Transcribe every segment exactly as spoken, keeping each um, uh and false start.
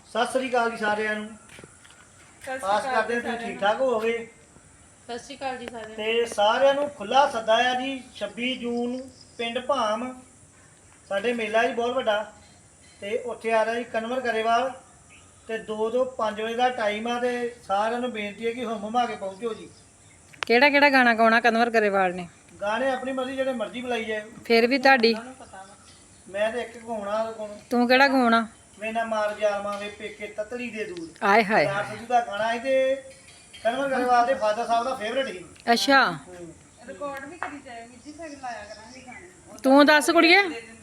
ਸਤਿ ਸ੍ਰੀ ਅਕਾਲ ਜੀ ਸਾਰਿਆਂ ਨੂੰ। ਆਸ ਕਰਦੇ ਹਾਂ ਤੁਸੀਂ ਠੀਕ ਠਾਕ ਹੋਵੋਗੇ। ਸਤਿ ਸ਼੍ਰੀ ਅਕਾਲ ਜੀ ਸਾਰਿਆਂ ਨੂੰ। ਤੇ ਸਾਰਿਆਂ ਨੂੰ ਖੁੱਲਾ ਸੱਦਾ ਆ ਜੀ ਛੱਬੀ ਜੂਨ ਨੂੰ ਪਿੰਡ ਭਾਮ ਸਾਡੇ ਮੇਲਾ ਜੀ ਬਹੁਤ ਵੱਡਾ, ਤੇ ਉੱਥੇ ਆ ਰਿਹਾ ਜੀ ਕਨਵਰ ਗਰੇਵਾਲ, ਤੇ ਦੋ ਤੋਂ ਪੰਜ ਵਜੇ ਦਾ ਟਾਈਮ ਆ। ਤੇ ਸਾਰਿਆਂ ਨੂੰ ਬੇਨਤੀ ਹੈ ਕਿ ਹੁਮ ਹੁਮਾ ਕੇ ਪਹੁੰਚੋ ਜੀ। ਕਿਹੜਾ ਕਿਹੜਾ ਗਾਣਾ ਗਾਉਣਾ ਕਨਵਰ ਗਰੇਵਾਲ ਨੇ? ਗਾਣੇ ਆਪਣੀ ਮਰਜ਼ੀ ਜਿਹੜੇ ਮਰਜ਼ੀ ਬੁਲਾਈ ਜਾਏ। ਫਿਰ ਵੀ ਤੁਹਾਡੀ ਮੈਂ ਤੇ ਇੱਕ ਗਾਉਣਾ, ਤੂੰ ਕਿਹੜਾ ਗਾਉਣਾ? ਮੈਨਾਂ ਮਾਰ ਜਾਲਮਾਂ ਵੇ ਪੇਕੇ ਤਤਲੀ ਦੇ ਦੂਰ। ਆਏ ਹਾਏ ਯਾਰ ਸਿੱਧੂ ਦਾ ਗਾਣਾ ਹੈ ਤੇ ਕਨਵਰ ਗਰੇਵਾਲ ਦੇ ਫਾਦਰ ਸਾਹਿਬ ਦਾ ਫੇਵਰਟ ਸੀ। ਅੱਛਾ, ਰਿਕਾਰਡ ਵੀ ਕਰੀ ਜਾਏ ਮਿੱਟੀ ਫਿਰ ਲਾਇਆ ਕਰਾਂਗੇ ਗਾਣੇ। ਤੂੰ ਦੱਸ ਕੁੜੀਏ,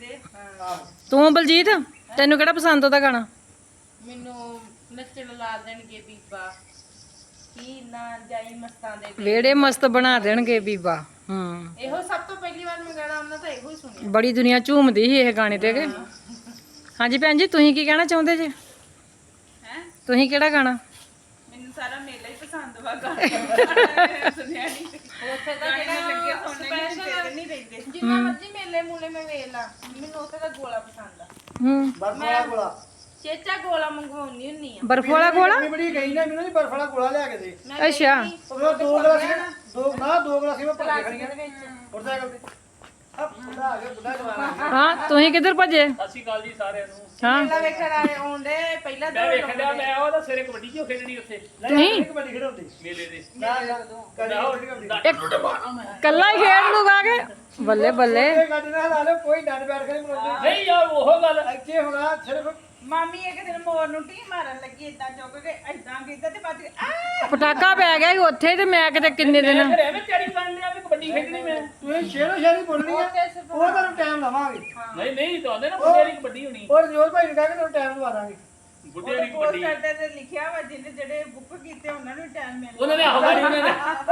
ਤੂੰ ਬਲਜੀਤ ਤੈਨੂੰ ਕਿਹੜਾ ਪਸੰਦ ਉਹਦਾ ਗਾਣਾ? ਮੈਨੂੰ ਨੱਚਣ ਲਾ ਦੇਣਗੇ ਬੀਬਾ ਕੀ ਨਾ ਜਾਈ ਮਸਤਾਂ ਦੇ ਵੇ। ਵੇੜੇ ਮਸਤ ਬਣਾ ਦੇਣਗੇ ਬੀਬਾ। ਹੂੰ, ਇਹੋ ਸਭ ਤੋਂ ਪਹਿਲੀ ਵਾਰ ਮੈਂ ਗਾਣਾ ਉਹਨਾਂ ਤਾਂ ਇਹੋ ਹੀ ਸੁਣਿਆ। ਬੜੀ ਦੁਨੀਆ ਝੂਮਦੀ ਸੀ ਇਹ ਗਾਣੇ ਤੇ। ਕਿ ਹਾਂਜੀ ਭੈਣ ਜੀ, ਤੁਸੀਂ ਕੀ ਕਹਿਣਾ ਚਾਹੁੰਦੇ ਜੇ? ਹੈ ਤੁਸੀਂ ਕਿਹੜਾ ਗਾਣਾ? ਮੈਨੂੰ ਸਾਰਾ ਮੇਲਾ ਹੀ ਪਸੰਦ ਵਾ ਗਾਣਾ ਸੁਣਿਆ ਨਹੀਂ ਉੱਥੇ ਦਾ ਜਿਹੜਾ ਲੱਗੇ ਸਪੈਸ਼ਲ ਨਹੀਂ ਰਹਿੰਦੇ। ਜਿੰਨਾ ਮਰਜ਼ੀ ਮੇਲੇ ਮੂਲੇ ਮੈਂ ਵੇਖ ਲਾ, ਮੈਨੂੰ ਉੱਥੇ ਦਾ ਗੋਲਾ ਪਸੰਦ ਆ। ਹੂੰ, ਬਰਫ ਵਾਲਾ ਗੋਲਾ, ਚੇਚਾ ਗੋਲਾ ਮੰਗਵਾਉਣੀ ਹੁੰਨੀ ਆ। ਬਰਫ ਵਾਲਾ ਗੋਲਾ? ਇੰਨੀ ਬੜੀ ਗਈ ਨਾ, ਮੈਨੂੰ ਨਹੀਂ ਬਰਫ ਵਾਲਾ ਗੋਲਾ ਲਿਆ ਕੇ ਦੇ। ਮੈਂ ਅੱਛਾ। ਗਈ ਸੀ, ਉਹ ਦੋ ਗਲਾਸ ਨਾ ਦੋ ਨਾ ਦੋ ਗਲਾਸ ਮੈਂ ਭਰ ਕੇ ਖੜੀਆਂ ਦੇ ਵਿੱਚ ਮੋਟਰਸਾਈਕਲ ਤੇ। ਆ ਬੁੱਢਾ ਆ ਗਿਆ, ਬੁੱਢਾ ਜਵਾਨ ਆ ਗਿਆ। ਹਾਂ, ਤੁਸੀਂ ਕਿੱਧਰ ਭੱਜੇ? ਸਤਿ ਸ਼੍ਰੀ ਅਕਾਲ ਜੀ ਸਾਰਿਆਂ ਨੂੰ। ਹਾਂ, ਮੇਲਾ ਵੇਖਣ ਆਏ ਆਉਂਦੇ ਪਹਿਲਾਂ ਮੈਂ ਦੌੜ ਵੇਖਣ ਡਿਆ, ਮੈਂ ਉਹਦਾ ਸਵੇਰੇ ਕਬੱਡੀ ਕਿਉਂ ਖੇਡਣੀ ਉੱਥੇ ਨਹੀਂ ਕਬੱਡੀ ਖੇਡਾਉਂਦੇ ਮੇਲੇ ਦੇ। ਨਾ ਨਾ ਕਦੀ ਕਬੱਡੀ ਖੇਡਾਉਂਦੇ। ਇੱਕ ਕੱਲਾ ਹੀ ਖੇਡ ਲੂਗਾ ਕਿ ਬੱਲੇ ਬੱਲੇ। ਇਹ ਗੱਡੀ ਨਾਲ ਲਾ ਲਓ, ਕੋਈ ਡੰਡ ਬੈਠ ਕੇ ਨਹੀਂ ਬਣਾਉਂਦੇ। ਨਹੀਂ ਯਾਰ ਉਹ ਗੱਲ ਇੱਥੇ ਹੋਣਾ ਸਿਰਫ ਮਾਮੀ ਇੱਕ ਦਿਨ ਮੋਰ ਨੂੰ ਟੀ ਮਾਰਨ ਲੱਗੀ ਏਦਾਂ ਚੁੱਕ ਕੇ ਏਦਾਂ ਕੀਤਾ ਤੇ ਬਾਅਦ ਆ ਪਟਾਕਾ ਪੈ ਗਿਆ ਸੀ ਉੱਥੇ ਤੇ ਮੈਂ ਕਿਤੇ ਕਿੰਨੇ ਦਿਨ ਮੈਂ ਫਿਰ ਐਵੇਂ ਤਿਆਰੀ ਕਰਨ ਲਿਆ ਵੀ ਕਬੱਡੀ ਖੇਡਣੀ ਮੈਂ। ਤੁਸੀਂ ਸ਼ੇਰੋ ਸ਼ੇਰੀ ਬੋਲਣੀ ਆ, ਉਹ ਤੁਹਾਨੂੰ ਟਾਈਮ ਲਵਾਂਗੇ। ਨਹੀਂ ਨਹੀਂ ਤੁਹਾਡੇ ਨਾ ਬੁੱਢੇ ਦੀ ਕਬੱਡੀ ਹੋਣੀ, ਔਰ ਜੋਰ ਭਾਈ ਨੂੰ ਕਹਿ ਕੇ ਤੁਹਾਨੂੰ ਟਾਈਮ ਲਵਾ ਦਾਂਗੇ। ਬੁੱਢੇ ਦੀ ਕਬੱਡੀ। ਪੋਸਟਰ ਤੇ ਲਿਖਿਆ ਵਾ ਜਿਹਨੇ ਜਿਹੜੇ ਬੁੱਕ ਕੀਤੇ ਉਹਨਾਂ ਨੂੰ ਟਾਈਮ ਮਿਲ ਉਹਨਾਂ ਨੇ ਆਹੋ ਗਾੜੀ ਉਹਨਾਂ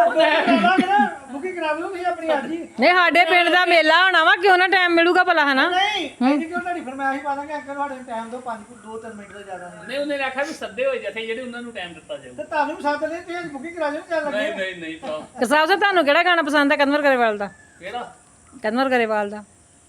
ਨੇ ਬੁਕਿੰਗ ਕਰਾ ਲਓ ਤੁਸੀਂ ਆਪਣੀ ਅੱਜ ਹੀ। ਨਹੀਂ, ਸਾਡੇ ਪਿੰਡ ਦਾ ਮੇਲਾ ਹੋਣਾ ਵਾ, ਕਿਉਂ ਨਾ ਟਾਈਮ ਮਿਲੂਗਾ ਭਲਾ, ਹਨਾ? ਨਹੀਂ ਐਂਦੀ ਕਿਉਂ ਤੁਹਾਡੀ ਫਰਮਾਇਸ਼ ਪਾ ਦਾਂਗੇ ਅੰਕਲ, ਤੁਹਾਡੇ ਟਾਈਮ ਦਿਓ ਪੰਜ ਦੋ ਤਿੰਨ ਮਿੰਟ ਤੋਂ ਜ਼ਿਆਦਾ ਨਹੀਂ। ਨਹੀਂ ਉਹਨੇ ਆਖਿਆ ਵੀ ਸੱਦੇ ਹੋਏ ਜਥੇ ਜਿਹੜੇ ਉਹਨਾਂ ਨੂੰ ਟਾਈਮ ਦਿੱਤਾ ਜਾਊ। ਤੇ ਤੁਹਾਨੂੰ ਵੀ ਸਾਥ ਦੇ ਤੁਸੀਂ ਬੁਕਿੰਗ ਕਰਾ ਲਿਓ, ਚੱਲ ਨਹੀਂ ਲੱਗੇ। ਨਹੀਂ ਨਹੀਂ ਭਰਾ। ਕਸਾਬ ਸਾਹਿਬ, ਤੁਹਾਨੂੰ ਕਿਹੜਾ ਗਾਣਾ ਪਸੰਦ ਹੈ ਕਨਵਰ ਗਰੇਵਾਲ ਦਾ? ਕਿਹੜਾ? ਕਨਵਰ ਗਰੇਵਾਲ ਦਾ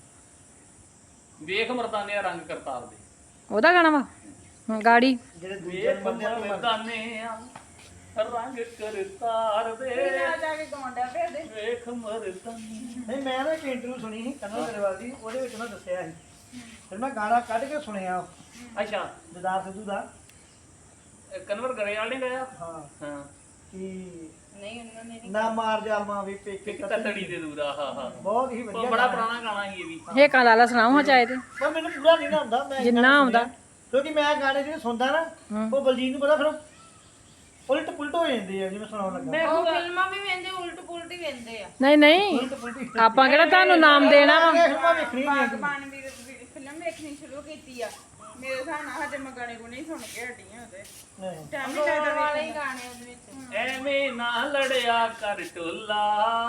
ਵੇਖ ਮਰਦਾਨੇ ਰੰਗ ਕਰਤਾਰ ਦੇ। ਉਹਦਾ ਗਾਣਾ ਵਾ? ਹੂੰ, ਗਾੜੀ ਜਿਹੜੇ ਦੂਜੇ ਵੇਖ ਬੰਦੇ ਨੂੰ ਮਰਦਾਨੇ ਰੰਗ ਕਰਤਾਰ ਦੇ, ਜਾ ਕੇ ਗਾਉਂਦਾ ਫਿਰ ਦੇ ਵੇਖ ਮਰਦਾਨੇ। ਨਹੀਂ, ਮੈਂ ਨਾ ਇੱਕ ਇੰਟਰਵਿਊ ਸੁਣੀ ਸੀ ਕਨਵਰ ਗਰੇਵਾਲ ਦੀ, ਉਹਦੇ ਵਿੱਚ ਮੈਂ ਦੱਸਿਆ ਸੀ, ਫਿਰ ਮੈਂ ਗਾਣਾ ਕੱਢ ਕੇ ਸੁਣਿਆ ਅੱਛਾ, ਦਿਦਾਰ ਸਿੱਧੂ ਦਾ। ਇਹ ਕਨਵਰ ਗਰੇਵਾਲ ਨੇ ਗਾਇਆ? ਹਾਂ ਹਾਂ। ਕਿ ਨਹੀਂ ਉਹਨਾਂ ਨੇ ਨਾ ਮਾਰ ਜਾਲਮਾਂ ਵੀ ਪੇਕੇ ਇੱਕ ਤਤੜੀ ਦੇ ਦੂਰ ਆ। ਹਾਂ ਹਾਂ, ਬਹੁਤ ਹੀ ਉਹ ਵਧੀਆ ਬੜਾ ਗਾਣਾ। ਪੁਰਾਣਾ ਗਾਣਾ ਸੀ ਇਹ ਵੀ। ਇਹ ਕਾ ਲਾਲਾ ਸੁਣਾਓ ਹਾਂ ਚਾਹੇ ਤੇ। ਪਰ ਮੈਨੂੰ ਪੂਰਾ ਨਹੀਂ ਨਾ ਆਉਂਦਾ, ਮੈਂ ਜਿੰਨਾ ਗਾਣਾ ਆਉਂਦਾ। ਸੁਣਿਆ। ਕਿਉਂਕਿ ਮੈਂ ਗਾਣੇ ਜਿਹੜੇ ਸੁਣਦਾ ਨਾ, ਉਹ ਬਲਜੀਤ ਨੂੰ ਪਤਾ, ਫਿਰ ਉਲਟ ਪੁਲਟ ਹੋ ਜਾਂਦੇ ਆ ਜਿਵੇਂ ਸੁਣਾਉਣ ਲੱਗਾ। ਉਹ ਫਿਲਮਾਂ ਵੀ ਵੇਂਦੇ ਉਲਟ ਪੁਲਟ ਹੀ ਵੇਂਦੇ ਆ। ਨਹੀਂ ਨਹੀਂ, ਉਲਟ ਪੁਲਟ ਆਪਾਂ ਕਿਹੜਾ ਤੁਹਾਨੂੰ ਨਾਮ ਦੇਣਾ ਵਾ। ਫਿਲਮਾਂ ਵੇਖਣੀ ਨਹੀਂ ਆਉਂਦੀ। ਬਾਗਬਾਨ ਵੀ ਫਿਲਮ ਵੇਖਣੀ ਸ਼ੁਰੂ ਕੀਤੀ ਆ ਮੇਰੇ ਹਿਸਾਬ ਨਾਲ। ਹਜੇ ਮੈਂ ਗਾਣੇ ਗੁਣੇ ਹੀ ਸੁਣ ਕੇ ਹਟੀਆਂ ਉਹਦੇ ਨਹੀਂ। ਟਾਈਮ ਨਹੀਂ ਲੱਗਦਾ ਵਾਲੇ ਹੀ ਗਾਣੇ ਉਹਦੇ ਵਿੱਚ। ਐਵੇਂ ਨਾ ਲੜਿਆ ਕਰ ਟੋਲਾ,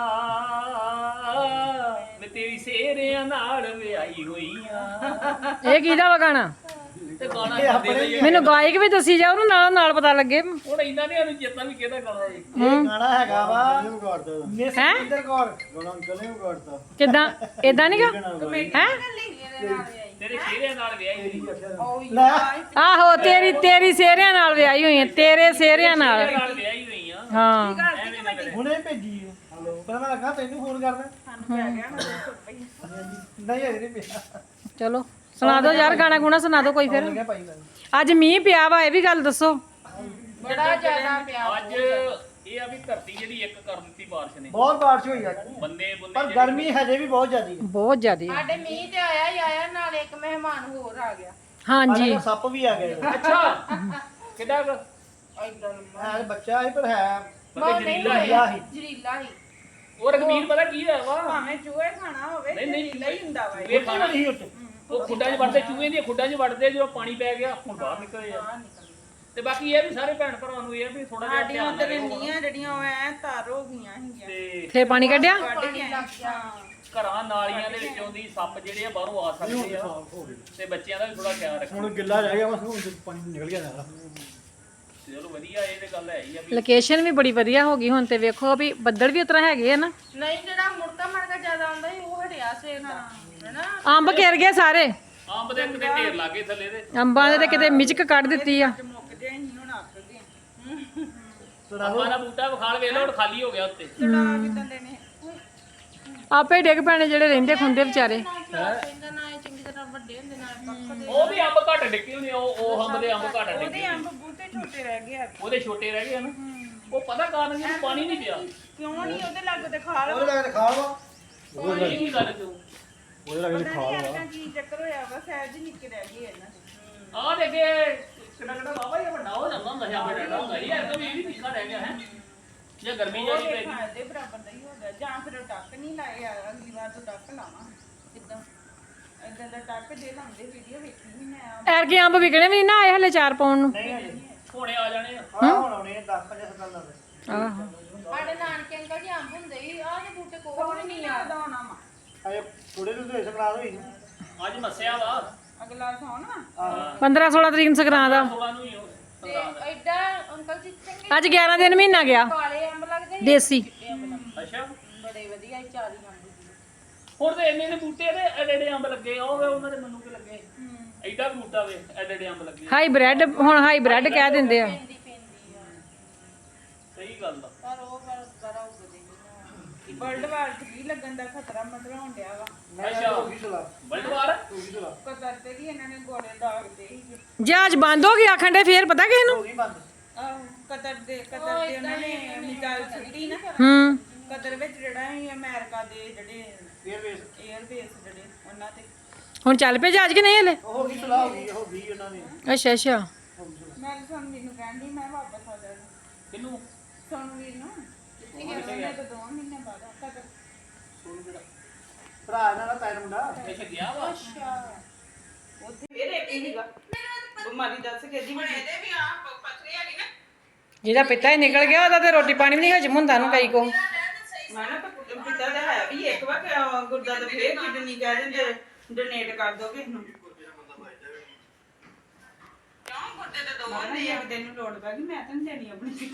ਮੈਂ ਤੇਰੀ ਸੇਰਿਆਂ ਨਾਲ ਵਿਆਹੀ ਹੋਈਆਂ। ਇਹ ਕਿਹਦਾ ਵਾ ਗਾਣਾ? ਤੇ ਗਾਣਾ ਕਰਦੇ ਰਹੀ। ਮੈਨੂੰ ਗਾਇਕ ਵੀ ਦੱਸੀ ਜਾ, ਉਹਨੂੰ ਨਾਲ ਨਾਲ ਪਤਾ ਲੱਗੇ। ਹੁਣ ਇੰਨਾ ਨਹੀਂ ਸਾਨੂੰ ਚੇਤਾ ਵੀ ਕਿਹਦਾ ਗਾਣਾ ਸੀ। ਇਹ ਗਾਣਾ ਹੈਗਾ ਵਾ ਮਿਸ ਹੈਂ? ਇੰਦਰ ਕੌਰ। ਗਾਣਾ ਅੰਕਲ ਨੇ ਵਿਗਾੜਤਾ। ਕਿੱਦਾਂ? ਏਦਾਂ ਨੀ ਗਾ? ਹੈਂ? ਤੇਰੇ ਸੇਰਿਆਂ ਨਾਲ ਵਿਆਹੀ ਹੋਈ। ਲੈ ਆਹੋ, ਤੇਰੀ ਤੇਰੀ ਸੇਰਿਆਂ ਨਾਲ ਵਿਆਹੀ ਹੋਈ ਹੈ, ਤੇਰੇ ਸੇਰਿਆਂ ਨਾਲ। ਸੇਰਿਆਂ ਨਾਲ ਵਿਆਹੀ ਹੋਈਆਂ। ਹਾਂ, ਐਵੇਂ ਨਾ ਕਰੇ। ਹੁਣੇ ਭੇਜੀ ਹੈ। ਪਰ ਮੈਂ ਲੱਗਾ ਤੈਨੂੰ ਫੋਨ ਕਰਨਾ। ਸਾਨੂੰ ਪੈ ਗਿਆ ਨਾ ਦੋ ਸੌ ਰੁਪਏ। ਨਹੀਂ ਅਜੇ ਨਹੀਂ ਪਿਆ। ਚਲੋ ਸੁਣਾ ਦਿਓ ਯਾਰ, ਗਾਣਾ ਗੁਣਾ ਸੁਣਾ ਦਿਓ ਕੋਈ ਫਿਰ। ਲੱਗਿਆ ਭਾਈ ਮੈਨੂੰ। ਅੱਜ ਮੀਂਹ ਪਿਆ ਵਾ, ਇਹ ਵੀ ਗੱਲ ਦੱਸੋ। ਬੜਾ ਜ਼ਿਆਦਾ ਪਿਆ। ਅੱਜ ਇਹ ਆ ਵੀ ਧਰਤੀ ਜਿਹੜੀ ਇੱਕ ਕਰ ਦਿੱਤੀ ਬਾਰਿਸ਼ ਨੇ। ਬਹੁਤ ਬਾਰਿਸ਼ ਹੋਈ ਅੱਜ, ਬੰਦੇ ਬੁੰਦੇ ਪਰ ਗਰਮੀ ਹਜੇ ਵੀ ਬਹੁਤ ਜ਼ਿਆਦੀ ਹੈ। ਬਹੁਤ ਜ਼ਿਆਦੀ। ਸਾਡੇ ਮੀਂਹ ਤੇ ਆਇਆ ਹੀ ਆਇਆ, ਨਾਲ ਇੱਕ ਮਹਿਮਾਨ ਹੋਰ ਆ ਗਿਆ। ਹਾਂਜੀ, ਹਾਲੇ ਸੱਪ ਵੀ ਆ ਗਏ। ਅੱਛਾ ਕਿੱਡਾ ਕੁ? ਏਦਾਂ ਹੈ ਬੱਚਾ ਹੀ, ਪਰ ਹੈ ਬਹੁਤ ਨਹੀਂ ਜ਼ਰੀਲਾ ਹੋਇਆ ਸੀ। ਜ਼ਰੀਲਾ ਹੀ। ਉਹ ਰਗਵੀਰ ਪਤਾ ਕੀ ਹੈ ਵਾ? ਭਾਵੇਂ ਚੂਹੇ ਖਾਣਾ ਹੋਵੇ ਨਹੀਂ, ਨਹੀਂ। ਜ਼ਰੀਲਾ ਹੀ ਹੁੰਦਾ ਵਾ ਇਹ। ਇਹ ਖਾਣਾ ਨਹੀਂ ਉੱਤੇ। ਉਹ ਖੁੱਡਾਂ 'ਚ ਵੜਦੇ, ਚੂਹੇ ਦੀਆਂ ਖੁੱਡਾਂ 'ਚ ਵੜਦੇ, ਜਦੋਂ ਪਾਣੀ ਪੈ ਗਿਆ ਹੁਣ ਬਾਹਰ ਨਿਕਲੇ ਆ। ਬਾਹਰ ਨਿਕਲਦਾ। ਤੇ ਬਾਕੀ ਇਹ ਵੀ ਸਾਰੇ ਭੈਣ ਭਰਾਵਾਂ ਨੂੰ ਇਹ ਆ ਵੀ ਥੋੜਾ ਜਿਹਾ ਸਾਡੀਆਂ ਧਿਆਨ ਉਧਰ ਰੱਖੋ। ਇੰਨੀਆਂ ਜਿਹੜੀਆਂ ਉਹ ਐ ਤਾਰ ਹੋ ਗਈਆਂ ਸੀਗੀਆਂ ਤੇ ਫੇਰ ਪਾਣੀ ਕੱਢਿਆ? ਕੱਢ ਕੇ ਆਏ। ਹਾਂ। ਘਰਾਂ ਨਾਲੀਆਂ ਦੇ ਵਿੱਚੋਂ ਦੀ ਸੱਪ ਜਿਹੜੇ ਆ ਬਾਹਰੋਂ ਆ ਸਕਦੇ ਆ, ਤੇ ਬੱਚਿਆਂ ਦਾ ਵੀ ਥੋੜਾ ਖਿਆਲ ਰੱਖੋ। ਹੁਣ ਗਿੱਲਾ ਰਹਿ ਗਿਆ, ਬਸ ਹੁਣ ਪਾਣੀ ਨਿਕਲ ਗਿਆ ਸਾਰਾ। ਚਲੋ ਵਧੀਆ, ਇਹ ਤੇ ਗੱਲ ਹੈ ਹੀ ਆ ਵੀ। ਲੋਕੇਸ਼ਨ ਵੀ ਬੜੀ ਵਧੀਆ ਹੋ ਗਈ ਹੁਣ ਤੇ। ਵੇਖੋ ਵੀ ਬੱਦਲ ਵੀ ਉਤਰਾ ਹੈਗੇ ਆ ਨਾ। ਨਹੀਂ ਜਿਹੜਾ ਮੁੜਕਾ ਮੜਕਾ ਜ਼ਿਆਦਾ ਆਉਂਦਾ ਸੀ ਉਹ ਹਟਿਆ ਸਵੇਰ ਨਾਲ, ਹੈਨਾ? ਅੰਬ ਘਿਰ ਗਏ ਸਾਰੇ। ਅੰਬ ਦੇ ਕਿਤੇ ਢੇਰ ਲਾਗੇ ਥੱਲੇ ਦੇ। ਅੰਬਾਂ ਦੇ ਤੇ ਕਿਤੇ ਮਿਚਕ ਕੱਢ ਦਿੱਤੀ ਆ। ਮੁੱਕ ਜੇ ਅਸੀਂ ਹੁਣ ਅੱਕ ਗਏ ਅੰਬਾਂ ਦਾ ਬੂਟਾ ਵਿਖਾਲ ਵੇਖ ਲਓ ਹੁਣ ਖਾਲੀ ਹੋ ਗਿਆ ਉੱਤੇ। ਚੜਾ ਕਿਦਾਂ ਦੇ ਨੇ ਆਪੇ ਡਿੱਗ ਪੈਣੇ ਜਿਹੜੇ ਰਹਿੰਦੇ ਖੁੰਦੇ ਵਿਚਾਰੇ। ਕਹਿੰਦਾ ਨਾ ਇਹ ਚੰਗੀ ਤਰ੍ਹਾਂ ਵੱਡੇ ਹੁੰਦੇ ਨਾਲ ਪੱਕ ਦੇ ਉਹ ਵੀ ਅੰਬ ਘੱਟ ਡਿੱਗੇ ਹੁੰਦੇ ਉਹ ਉਹ ਅੰਬ ਦੇ ਅੰਬ ਘੱਟ ਉਹਦੇ ਡਿੱਗੇ ਅੰਬ ਬੂਟੇ ਛੋਟੇ ਰਹਿ ਗਏ ਆ ਉਹਦੇ ਛੋਟੇ ਰਹਿ ਗਏ ਹਨ। ਉਹ ਪਤਾ ਕਾਰਨ ਕਿ ਪਾਣੀ ਨਹੀਂ ਪਿਆ। ਕਿਉਂ ਨਹੀਂ ਉਹਦੇ ਲੱਗ ਤੇ ਖਾ ਲਓ ਉਹਦੇ ਲੱਗੇ ਖਾਲ ਵਾ ਪਾਣੀ ਕੀ ਗੱਲ ਤੂੰ ਉਹਦੇ ਲੱਗੇ ਪਤਾ ਨਹੀਂ ਯਾਰ ਕੀ ਚੱਕਰ ਹੋਇਆ ਵਾ ਸਹਿਜ ਹੀ ਨਿੱਕੇ ਰਹਿ ਗਏ ਇਹਨਾਂ ਦੇ ਆਹ ਦੇ ਅੱਗੇ ਕਿੰਨਾ ਕਿੰਨਾ ਬਾਬਾ ਇਹ ਵੱਡਾ ਹੋ ਜਾਂਦਾ ਹੁੰਦਾ ਸੀ ਅੰਬ ਡਾਡਾ ਹੁੰਦਾ ਸੀ। ਇਹ ਤਾਂ ਵੀ ਇਹ ਵੀ ਨਿੱਕਾ ਰਹਿ ਗਿਆ ਹੈ ਜੇ ਗਰਮੀ ਜਾਈ ਪੈ ਗਈ। ਦੇ ਬਰਾਬਰ ਦਾ ਹੀ ਹੋ ਗਿਆ ਜਾਂ ਫਿਰ ਉਹ ਟੱਕ ਨਹੀਂ ਲਾਇਆ ਅਗਲੀ ਵਾਰ ਤੋਂ ਟੱਕ ਲਾਵਾਂ ਕਿਦਾਂ ਇਦਾਂ ਦਾ ਟੱਕ ਜੇ ਲਾਉਂਦੇ ਵੀਡੀਓ ਵੇਖੀ ਨਹੀਂ ਮੈਂ ਐਰਗੇ ਅੰਬ ਵਿਕਣੇ ਵੀ ਨੀ ਨਾ ਆਏ ਹਲੇ ਚਾਰ ਪਾਉਣ ਨੂੰ। ਨਹੀਂ ਹਜੇ ਹੁਣੇ ਆ ਜਾਣੇ ਆ। ਆਹ ਹੁਣ ਆਉਣੇ ਦਸ ਪੰਜ ਸਾਲ ਦਾ ਆਹੋ ਸਾਡੇ ਨਾਨਕੇ ਅੰਕਲ ਜੀ ਅੰਬ ਹੁੰਦੇ ਸੀ ਆਹ ਦੇ ਬੂਟੇ ਕੋਲ ਕੋਲ ਨਹੀਂ ਆਦਾ ਹੋਣਾ ਵਾ ਅਜੇ ਥੋੜੇ ਨੂੰ ਤੇ ਸੰਗਰਾਂਦ ਹੋਈ ਨਾ ਅੱਜ ਮੱਸਿਆ ਵਾ ਅਗਲਾ ਸੌਣ ਵਾ ਆਹ ਪੰਦਰਾਂ ਸੋਲਾਂ ਤਰੀਕ ਨੂੰ ਸੰਗਰਾਂਦ ਆ। ਸੋਲਾਂ ਨੂੰ ਹੀ ਉਹ ਤੇ ਸੰਗਰਾਂਦ ਆ। ਐਡਾ ਅੰਕਲ ਜੀ ਚੰਗੇ ਅੱਜ ਗਿਆਰਾਂ ਦਿਨ ਮਹੀਨਾ ਗਿਆ ਕਾਲੇ ਅੰਬ ਲੱਗਦੇ ਸੀ ਦੇਸੀ। ਅੱਛਾ ਬੜੇ ਵਧੀਆ ਸੀ ਚਾਲੀ ਅੰਬ ਸੀ ਹੁਣ ਤੇ ਇੰਨੇ ਨੇ ਬੂਟੇ ਤੇ ਐਡੇ ਐਡੇ ਅੰਬ ਲੱਗੇ ਆ ਉਹ ਵੇ ਉਹਨਾਂ ਦੇ ਮੈਨੂੰ ਕੀ ਲੱਗੇ ਐਡਾ ਕੁ ਬੂਟਾ ਵੇ ਐਡੇ ਐਡੇ ਅੰਬ ਲੱਗੇ। ਹਾਈ ਬ੍ਰੈਡ ਹੁਣ ਹਾਈ ਬ੍ਰੈਡ ਕਹਿ ਦਿੰਦੇ ਆ। ਪੈਂਦੀ ਪੈਂਦੀ ਆ ਸਹੀ ਗੱਲ ਦਾ। ਪਰ ਉਹ ਪਰ ਬੜਾ ਉੱਗਦੇ ਨਹੀਂ ਵਰਲਡ ਵਾਰ ਥ੍ਰੀ ਲੱਗਣ ਦਾ ਖਤਰਾ ਮੰਡਰਾਉਣ ਡਿਆ ਵਾ ਅੱਛਾ ਹੋ ਗਈ ਸੁਲਾ ਬਲਦਵਾਰ ਹੋ ਗਈ ਸੁਲਾ ਕਦਰ ਤੇ ਵੀ ਇਹਨਾਂ ਨੇ ਗੋਲੇ ਦਾਗ ਦੇ ਸੀ ਜਹਾਜ਼ ਬੰਦ ਹੋ ਗਿਆ ਆਖਣ ਦੇ ਫੇਰ ਪਤਾ ਕਿਸੇ ਨੂੰ। ਹੋ ਗਈ ਬੰਦ ਆਹੋ ਕਦਰ ਦੇ ਕਦਰ ਦੇ ਉਹਨਾਂ ਨੇ ਮਿਸਾਈਲ ਛੱਡੀ ਨਾ ਹੂੰ ਕਦਰ ਵਿੱਚ ਜਿਹੜਾ ਸੀ ਅਮਰੀਕਾ ਦੇ ਜਿਹੜੇ ਫੇਰ ਵੇਸ 에ਅਰ ਬੇਸ ਜਿਹੜੇ ਉਹਨਾਂ ਤੇ ਹੁਣ ਚੱਲ ਪਏ ਜਹਾਜ਼ ਕਿ ਨਹੀਂ ਹਲੇ। ਉਹ ਹੋ ਗਈ ਸੁਲਾ ਹੋ ਗਈ ਹੋ ਗਈ ਉਹਨਾਂ ਦੀ ਅੱਛਾ ਅੱਛਾ ਹੋ ਗਈ ਸੁਲਾ ਮੈਂ ਸੁਣ ਮੈਨੂੰ ਕਹਿੰਦੀ ਮੈਂ ਵਾਪਸ ਆ ਜਾਣਾ ਕਿਨੂੰ ਸੁਣ ਵੀਰ ਨੂੰ ਉਹਨੇ ਤਾਂ ਦੋ ਮਹੀਨੇ ਬਾਅਦ ਕਦਰ ਭਰਾ ਇਹਨਾਂ ਦਾ ਪੈਰ ਮੁੰਡਾ ਇੱਥੇ ਗਿਆ ਵਾ। ਉੱਥੇ ਫੇਰ ਇੱਕ ਹੀ ਸੀਗਾ ਬਿਮਾਰੀ ਦੱਸ ਕੇ ਦੀ ਬਣੀ ਇਹਦੇ ਵੀ ਆ ਪਥਰੀ ਹੈਗੀ ਨਾ ਜਿਹਦਾ ਪਿੱਤਾ ਹੀ ਨਿਕਲ ਗਿਆ ਉਹਦਾ ਤੇ ਰੋਟੀ ਪਾਣੀ ਵੀ ਨਹੀਂ ਹਜਮ ਹੁੰਦਾ ਨੂੰ ਕਈ ਕੋ। ਮੈਂ ਨਾ ਪਿਤਾ ਦਾ ਹੈ ਵੀ ਇੱਕ ਵਾਰ ਕਿ ਗੁਰਦਾ ਤੇ ਫੇਰ ਕਿਡਨੀ ਕਹਿ ਦਿੰਦੇ ਡੋਨੇਟ ਕਰ ਦੋ ਕਿਸ ਨੂੰ ਕਿਉਂ ਗੁਰਦੇ ਤੇ ਦੋ ਨਹੀਂ ਇੱਕ ਦਿਨ ਨੂੰ ਲੋੜ ਪੈ ਗਈ ਮੈਂ ਤਾਂ ਨਹੀਂ ਦੇਣੀ ਆਪਣੀ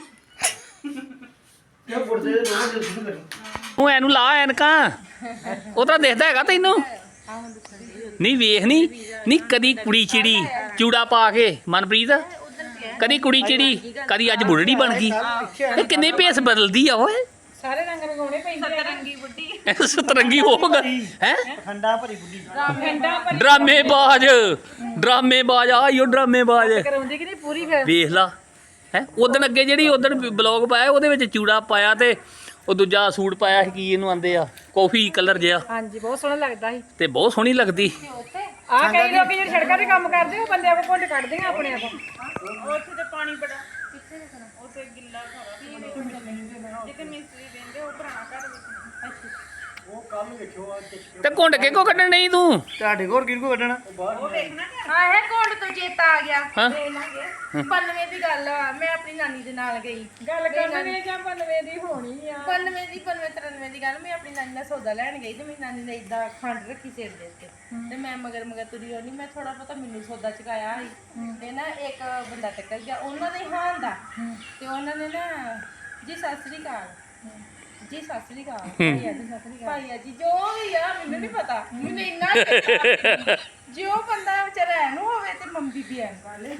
ਇਹ ਗੁਰਦੇ ਦੇ ਦੋਵਾਂ ਦੇ ਸੁਣ ਕਰੀ ਤੂੰ ਇਹਨੂੰ ਲਾ ਐਨਕਾਂ ਉਹ ਤਾਂ ਦਿਖਦਾ ਹੈਗਾ ਤੈਨੂੰ। ਨਹੀਂ ਵੇਖ ਨਹੀਂ ਨਹੀਂ ਕਦੀ ਕੁੜੀ ਚਿੜੀ ਚੂੜਾ ਪਾ ਕੇ ਮਨਪ੍ਰੀਤ ਕਦੀ ਕੁੜੀ ਚਿੜੀ ਕਦੀ ਅੱਜ ਬੁੱਢੜੀ ਬਣ ਗਈ। ਇਹ ਕਿੰਨੇ ਭੇਸ ਬਦਲਦੀ ਆ ਓਏ। ਸਾਰੇ ਰੰਗ ਰੰਗਾਉਣੇ ਪੈਂਦੇ ਰੰਗੀ ਬੁੱਢੀ ਸਤਰੰਗੀ ਹੋ ਗਈ ਹੈ। ਠੰਡਾ ਭਰੀ ਬੁੱਢੀ ਡਰਾਮੇਬਾਜ਼ ਡਰਾਮੇਬਾਜ਼ ਆਇਓ ਡਰਾਮੇਬਾਜ਼ ਕਰਾਉਂਦੀ ਕਿ ਨਹੀਂ ਪੂਰੀ ਫਿਰ। ਵੇਖ ਲਾ ਹੈ ਉਦਣ ਅੱਗੇ ਜਿਹੜੀ ਉਦਣ ਬਲੌਗ ਪਾਇਆ ਉਹਦੇ ਵਿੱਚ ਚੂੜਾ ਪਾਇਆ ਤੇ ਉਹ ਦੂਜਾ ਸੂਟ ਪਾਇਆ ਸੀ ਕੀ ਇਹਨੂੰ ਆਂਦੇ ਆ ਕਾਫੀ ਕਲਰ ਜਿਹਾ ਹਾਂਜੀ ਬਹੁਤ ਸੋਹਣਾ ਲੱਗਦਾ ਸੀ। ਤੇ ਬਹੁਤ ਸੋਹਣੀ ਲੱਗਦੀ। ਆ ਕਈ ਲੋਕ ਜਿਹੜੇ ਸੜਕਾਂ ਤੇ ਕੰਮ ਕਰਦੇ ਉਹ ਬੰਦਿਆਂ ਕੋਲ ਘੁੰਡ ਕੱਢਦੇ ਆ ਆਪਣੇ ਆਪ। ਉੱਥੇ ਤੇ ਪਾਣੀ ਬੜਾ ਕਿੱਥੇ ਰੱਖਣਾ ਉੱਥੇ ਗਿੱਲਾ ਸਾਰਾ ਜਿੱਥੇ ਮਿਸਤਰੀ ਰਹਿੰਦੇ ਉਹ ਪੁਰਾਣਾ ਘਰ ਵਿੱਚ ਉਹ ਕੱਲ ਵੇਖਿਓ ਆ ਤੇ ਘੁੰਡ ਕੇ ਕੋ ਕੱਢਣ ਨਹੀਂ ਤੂੰ। ਤੁਹਾਡੇ ਕੋਲ ਕਿਹਨੂੰ ਕੱਢਣਾ ਉਹ ਵੇਖਣਾ ਕਿ ਹਾਂ ਇਹ ਕੋਲ ਤੋਂ ਚੇਤਾ ਆ ਗਿਆ ਹਾਂ ਪੰਨਵੇਂ ਦੀ ਗੱਲ ਆ ਮੈਂ ਆਪਣੀ ਨਾਨੀ ਦੇ ਨਾਲ ਗਈ ਗੱਲ ਕਰਨੀ ਜਾਂ ਪੰਨਵੇਂ ਦੀ ਹੋਣੀ ਆ। ਪੰਨਵੇਂ ਦੀ ਪੰਨਵੇਂ ਤਰਨਵੇਂ ਦੀ ਗੱਲ ਮੈਂ ਆਪਣੀ ਨਾਨੀ ਦਾ ਸੌਦਾ ਲੈਣ ਗਈ ਤੇ ਮੇਰੀ ਨਾਨੀ ਨੇ ਇਦਾਂ ਖੰਡ ਰੱਖੀ ਸਿਰ ਦੇ ਉੱਤੇ ਤੇ ਮੈਂ ਮਗਰ ਮਗਰ ਤੁਰੀ ਹੋਣੀ ਮੈਂ ਥੋੜਾ ਪਤਾ ਮੈਨੂੰ ਸੌਦਾ ਚਕਾਇਆ ਸੀ ਤੇ ਨਾ ਇੱਕ ਬੰਦਾ ਟੱਕਰ ਗਿਆ ਉਹਨਾਂ ਦੇ ਹਾਂ ਦਾ ਤੇ ਉਹਨਾਂ ਨੇ ਨਾ ਜੀ ਸਤਿ ਸ੍ਰੀ ਅਕਾਲ ਜੀ ਸਤਿ ਸ੍ਰੀ ਅਕਾਲ ਭਾਈਆ ਜੀ ਸਤਿ ਸ੍ਰੀ ਅਕਾਲ ਭਾਈਆ ਜੀ ਜੋ ਵੀ ਆ ਮੈਨੂੰ ਨਹੀਂ ਪਤਾ ਮੈਨੂੰ ਇੰਨਾ ਚੇਤਾ ਜੇ ਉਹ ਬੰਦਾ ਵਿਚਾਰਾ ਐਨੂੰ ਹੋਵੇ ਤੇ ਮੰਮੀ ਵੀ ਐਨ ਵਾਲੇ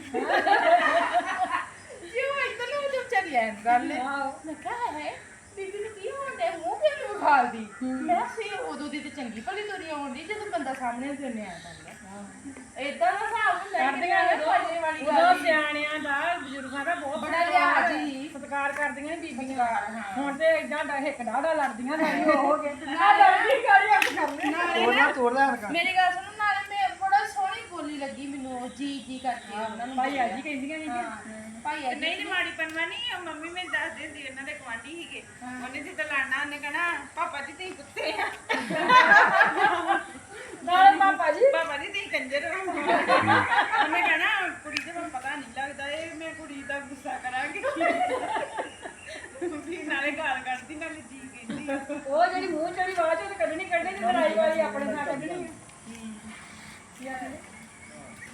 ਜੇ ਉਹ ਇਦਾਂ ਨੂੰ ਜੋ ਵਿਚਾਰੀ ਐਨ ਵਾਲੇ ਮੈਂ ਕਿਹਾ ਹੈ ਬੀਬੀ ਨੂੰ ਕੀ ਹੋਣ ਡਿਆ ਮੂੰਹ ਤੇ ਨੂੰ ਖਾਲਦੀ ਮੈਂ ਸੇ ਉਦੋਂ ਦੀ ਤੇ ਚੰਗੀ ਭਲੀ ਤੁਰੀ ਆਉਂਦੀ ਜਦੋਂ ਬੰਦਾ ਸਾਹਮਣੇ ਤੇ ਉਹਨੇ ਆ ਜਾਂਦਾ ਇਦਾਂ ਦਾ ਹਿਸਾਬ ਹੁੰਦਾ ਕਰਦੀਆਂ ਨੇ ਭਾਜੇ ਵਾਲੀ ਉਦੋਂ ਗੱਲ ਸਿਆਣਿਆਂ ਦਾ ਬਜ਼ੁਰਗਾਂ ਦਾ ਬਹੁਤ ਬੜਾ ਲਿਹਾਜ਼ ਸੀ ਸਤਿਕਾਰ ਕਰਦੀਆਂ ਨੇ ਬੀਬੀਆਂ। ਹੁਣ ਤੇ ਇਦਾਂ ਦਾ ਹਿੱਕ ਡਾੜਾ ਲੜਦੀਆਂ ਸਾਡੀ ਹੋ ਗਏ ਆ ਲੜਦੀ ਕਾਲੀ ਹੱਥ ਕਰਨੇ। ਤੋੜਨਾ ਤੋੜਦਾ ਹਰਕਾ ਮੇਰੀ ਗੱਲ ਸੁਣੋ ਨਾਲੇ ਮੈਂ ਬੜਾ ਸੋਹਣੀ ਬੋਲੀ ਲੱਗੀ ਮੈਨੂੰ ਜੀ ਜੀ ਕਰਕੇ ਉਹਨਾਂ ਨੂੰ ਭਾਈਆ ਜੀ ਕਹਿੰਦੀਆਂ ਸੀ ਭਾਈਆ ਨਹੀਂ ਤੇ ਮਾੜੀ ਪੰਨਵਾ ਨਹੀਂ ਉਹ ਮੰਮੀ ਮੈਨੂੰ ਦੱਸਦੇ ਸੀ ਇਹਨਾਂ ਦੇ ਗੁਆਂਢੀ ਸੀਗੇ ਉਹਨੇ ਜਿੱਦਾਂ ਲੜਨਾ ਉਹਨੇ ਕਹਿਣਾ ਪਾਪਾ ਜੀ ਤੁਸੀਂ ਕੁੱਤੇ ਆ ਨਾਲੇ ਪਾਪਾ ਜੀ ਪਾਪਾ ਜੀ ਤੁਸੀਂ ਕੰਜਰ ਹੋ ਉਹਨੇ ਕਹਿਣਾ ਕੁੜੀ ਤੇ ਮੈਨੂੰ ਪਤਾ ਨਹੀਂ ਲੱਗਦਾ ਇਹ ਮੈਂ ਕੁੜੀ ਦਾ ਗੁੱਸਾ ਕਰਾਂਗੀ ਵੀ ਨਾਲੇ ਗਾਲ ਕੱਢਦੀ ਨਾਲੇ ਜੀ ਕਹਿੰਦੀ ਉਹ ਜਿਹੜੀ ਮੂੰਹ ਚੜੀ ਆਵਾਜ਼ ਉਹ ਤੇ ਕੱਢਣੀ ਕੱਢਣੀ ਤੇ ਲੜਾਈ ਵਾਲੀ ਆਪਣੇ ਨਾਲ ਕੱਢਣੀ ਆ।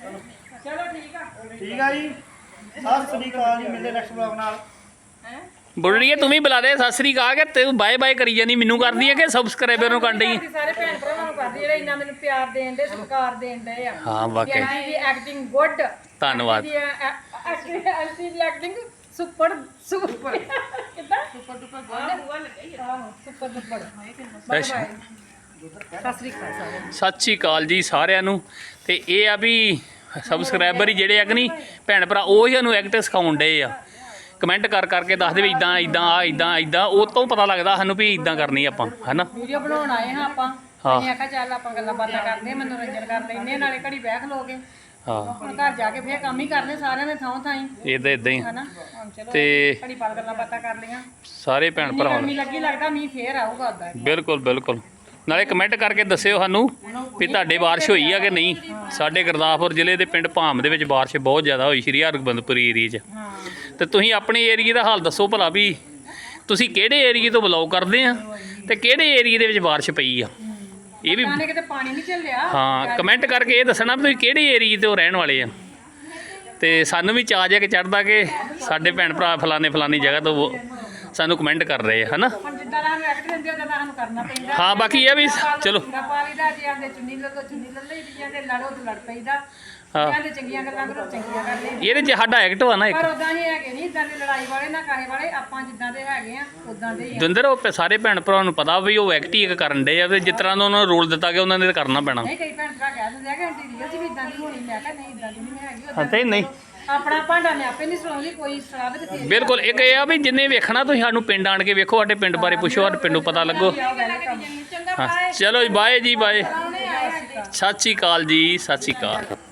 ਚਲੋ ਠੀਕ ਆ। ਠੀਕ ਆ ਜੀ ਸਤਿ ਸ੍ਰੀ ਅਕਾਲ ਜੀ ਮਿਲਦੇ ਨੈਕਸਟ ਬਲੌਗ ਨਾਲ ਹੈ ਬੁੜੜੀਏ ਤੂੰ ਵੀ ਬੁਲਾ ਦੇ ਸਤਿ ਸ੍ਰੀ ਅਕਾਲ ਕਿ ਤੂੰ ਬਾਏ ਬਾਏ ਕਰੀ ਜਾਨੀ ਮੈਨੂੰ ਕਰਦੀ ਹੈ ਕਿ ਸਬਸਕ੍ਰਾਈਬਰ ਨੂੰ ਕਰਨ ਡਈ ਸਾਰੇ ਭੈਣ ਭਰਾਵਾਂ ਨੂੰ ਕਰਦੇ ਜਿਹੜੇ ਇੰਨਾ ਮੈਨੂੰ ਪਿਆਰ ਦੇਣ ਦੇ ਸਤਿਕਾਰ ਦੇਣ ਦੇ ਆ ਹਾਂ ਵਾਕਈ ਆਂਟੀ ਦੀ ਐਕਟਿੰਗ ਗੁੱਡ ਧੰਨਵਾਦ ਆਂਟੀ ਦੀ ਐਕਟਿੰਗ ਸੁਪਰ ਸੁਪਰ ਕਿੱਦਾਂ ਸੁਪਰ ਡੁਪਰ ਗੋਲ ਬੂਆ ਲੱਗਾ ਹੀ ਆਹੋ ਸੁਪਰ ਸੁਪਰ ਬਾਏ ਅੱਛਾ। ਬਾਏ ਸਤਿ ਸ੍ਰੀ ਅਕਾਲ ਸਾਰਿਆਂ ਨੂੰ ਸਤਿ ਸ਼੍ਰੀ ਅਕਾਲ ਜੀ ਸਾਰਿਆਂ ਨੂੰ। ਤੇ ਇਹ ਆ ਵੀ ਸਬਸਕ੍ਰਾਈਬਰ ਹੀ ਜਿਹੜੇ ਆ ਕਿ ਨਹੀਂ ਭੈਣ ਭਰਾ ਉਹ ਹੀ ਸਾਨੂੰ ਐਕਟ ਸਿਖਾਉਣ ਡਏ ਆ ਕਮੈਂਟ ਕਰ ਕਰਕੇ ਦੱਸਦੇ ਵੀ ਇਦਾਂ ਇਦਾਂ ਆ ਇਦਾਂ ਇਦਾਂ ਉਹ ਤੋਂ ਪਤਾ ਲੱਗਦਾ ਸਾਨੂੰ ਵੀ ਇਦਾਂ ਕਰਨੀ ਆਪਾਂ ਹੈਨਾ। ਵੀਡੀਓ ਬਣਾਉਣ ਆਏ ਹਾਂ ਆਪਾਂ ਹਾਂ। ਅਸੀਂ ਆਖਿਆ ਚੱਲ ਆਪਾਂ ਗੱਲਾਂ ਬਾਤਾਂ ਕਰਦੇ ਹਾਂ ਮਨੋਰੰਜਨ ਕਰ ਲੈਂਦੇ ਹਾਂ ਨਾਲੇ ਘੜੀ ਬਹਿ ਖਲੋਗੇ ਹਾਂ ਹੁਣ ਘਰ ਜਾ ਕੇ ਫੇਰ ਕੰਮ ਹੀ ਕਰਨੇ ਸਾਰਿਆਂ ਨੇ ਥਾਂ ਥਾਈ ਇਦਾਂ ਇਦਾਂ ਹੀ ਹਨਾ ਹੁਣ ਚਲੋ ਤੇ ਘੜੀ ਪਾਲ ਗੱਲਾਂ ਬਾਤਾਂ ਕਰ ਲਈਆਂ ਸਾਰੇ ਭੈਣ ਇੰਨੀ ਭਰਾਵਾਂ ਗਰਮੀ ਨੂੰ ਲੱਗੀ ਲੱਗਦਾ ਮੀਂਹ ਫੇਰ ਆਊਗਾ ਉਦਾਂ ਬਿਲਕੁਲ ਬਿਲਕੁਲ ਨਾਲੇ ਕਮੈਂਟ ਕਰਕੇ ਦੱਸਿਓ ਸਾਨੂੰ ਵੀ ਤੁਹਾਡੇ ਬਾਰਿਸ਼ ਹੋਈ ਆ ਕਿ ਨਹੀਂ। ਸਾਡੇ ਗੁਰਦਾਸਪੁਰ ਜ਼ਿਲ੍ਹੇ ਦੇ ਪਿੰਡ ਭਾਮ ਦੇ ਵਿੱਚ ਬਾਰਿਸ਼ ਬਹੁਤ ਜ਼ਿਆਦਾ ਹੋਈ ਸ਼੍ਰੀ ਹਰਗੋਬਿੰਦਪੁਰੀ ਏਰੀਏ 'ਚ। ਹਾਂ ਤੇ ਤੁਸੀਂ ਆਪਣੇ ਏਰੀਏ ਦਾ ਹਾਲ ਦੱਸੋ ਭਲਾ ਵੀ ਤੁਸੀਂ ਕਿਹੜੇ ਏਰੀਏ ਤੋਂ ਬਿਲੋਂਗ ਕਰਦੇ ਆ ਤੇ ਕਿਹੜੇ ਏਰੀਏ ਦੇ ਵਿੱਚ ਬਾਰਿਸ਼ ਪਈ ਆ ਇਹ ਵੀ ਨਾਲੇ ਕਿਤੇ ਪਾਣੀ ਨਹੀਂ ਚੱਲਿਆ ਹਾਂ ਕਮੈਂਟ ਕਰਕੇ ਇਹ ਦੱਸਣਾ ਵੀ ਤੁਸੀਂ ਕਿਹੜੇ ਏਰੀਏ ਤੋਂ ਰਹਿਣ ਵਾਲੇ ਆ ਤੇ ਸਾਨੂੰ ਵੀ ਚਾਅ ਜਿਹਾ ਕਿ ਚੜ੍ਹਦਾ ਕਿ ਸਾਡੇ ਭੈਣ ਭਰਾ ਫਲਾਣੇ ਫਲਾਣੀ ਜਗ੍ਹਾ ਤੋਂ ਉਹ ਸਾਨੂੰ ਕਮੈਂਟ ਕਰ ਰਹੇ ਆ ਹਨਾ। ਹੁਣ ਜਿੱਦਾਂ ਦਾ ਸਾਨੂੰ ਐਕਟ ਦਿੰਦੇ ਉਦਾਂ ਦਾ ਸਾਨੂੰ ਕਰਨਾ ਪੈਂਦਾ ਹਾਂ ਬਾਕੀ ਇਹ ਵੀ ਚਲੋ ਪਾਲੀ ਦਾ ਜੇ ਆਂਦੇ ਚੁੰਨੀ ਲੱਲੋ ਚੁੰਨੀ ਲੱਲੋ ਜੀ ਆਂਦੇ ਲੜੋ ਤੇ ਲੜ ਪਈਦਾ ਹਾਂ ਆਂਦੇ ਚੰਗੀਆਂ ਗੱਲਾਂ ਕਰੋ ਚੰਗੀਆਂ ਕਰ ਲਈ ਇਹਦੇ 'ਚ ਸਾਡਾ ਐਕਟ ਵਾ ਨਾ ਇੱਕ ਪਰ ਉਦਾਂ ਹੀ ਹੈਗੇ ਨਹੀਂ ਇਦਾਂ ਦੇ ਲੜਾਈ ਵਾਲੇ ਨਾ ਕਾਹੇ ਵਾਲੇ ਆਪਾਂ ਜਿੱਦਾਂ ਦੇ ਹੈਗੇ ਆ ਉਦਾਂ ਦੇ ਹੀ ਆ ਦੁੰਦਰ ਉਹ ਸਾਰੇ ਭੈਣ ਭਰਾਵਾਂ ਨੂੰ ਪਤਾ ਵੀ ਉਹ ਐਕਟ ਹੀ ਇੱਕ ਕਰਨ ਦੇ ਆ ਤੇ ਜਿਸ ਤਰ੍ਹਾਂ ਦਾ ਉਹਨਾਂ ਨੂੰ ਰੋਲ ਦਿੱਤਾ ਗਿਆ ਉਹਨਾਂ ਨੇ ਤਾਂ ਕਰਨਾ ਪੈਣਾ। ਨਹੀਂ ਕਈ ਭੈਣ ਭਰਾ ਕਹਿ ਦਿੰਦੇ ਆ ਕਿ ਆਂਟੀ ਰੀਅਲ ਚ ਵੀ ਇਦਾਂ ਦੀ ਹੋਣੀ ਮੈਂ ਕਿਹਾ ਨਹੀਂ ਇਦਾਂ ਦੀ ਨਹੀਂ ਹੈਗੀ ਹਾਂ ਤੇ ਨਹੀਂ ਆਪਣਾ ਭਾਂਡਾ ਮੈਂ ਆਪੇ ਨਹੀਂ ਸੁਣਾਉਂਦੀ ਕੋਈ ਸਲਾਹ ਤੇ ਤੇਰੀ ਬਿਲਕੁਲ ਇੱਕ ਇਹ ਆ ਵੀ ਜਿੰਨੇ ਵੇਖਣਾ ਤੁਸੀਂ ਸਾਨੂੰ ਪਿੰਡ ਆਣ ਕੇ ਵੇਖੋ ਸਾਡੇ ਪਿੰਡ ਬਾਰੇ ਪੁੱਛੋ ਸਾਡੇ ਪਿੰਡੋਂ ਪਤਾ ਲੱਗੋ। ਚੰਗਾ ਹਾਂ ਚਲੋ ਜੀ ਬਾਏ ਜੀ ਬਾਏ ਆਏ ਸਤਿ ਸ਼੍ਰੀ ਅਕਾਲ ਜੀ ਸਤਿ ਸ਼੍ਰੀ ਅਕਾਲ।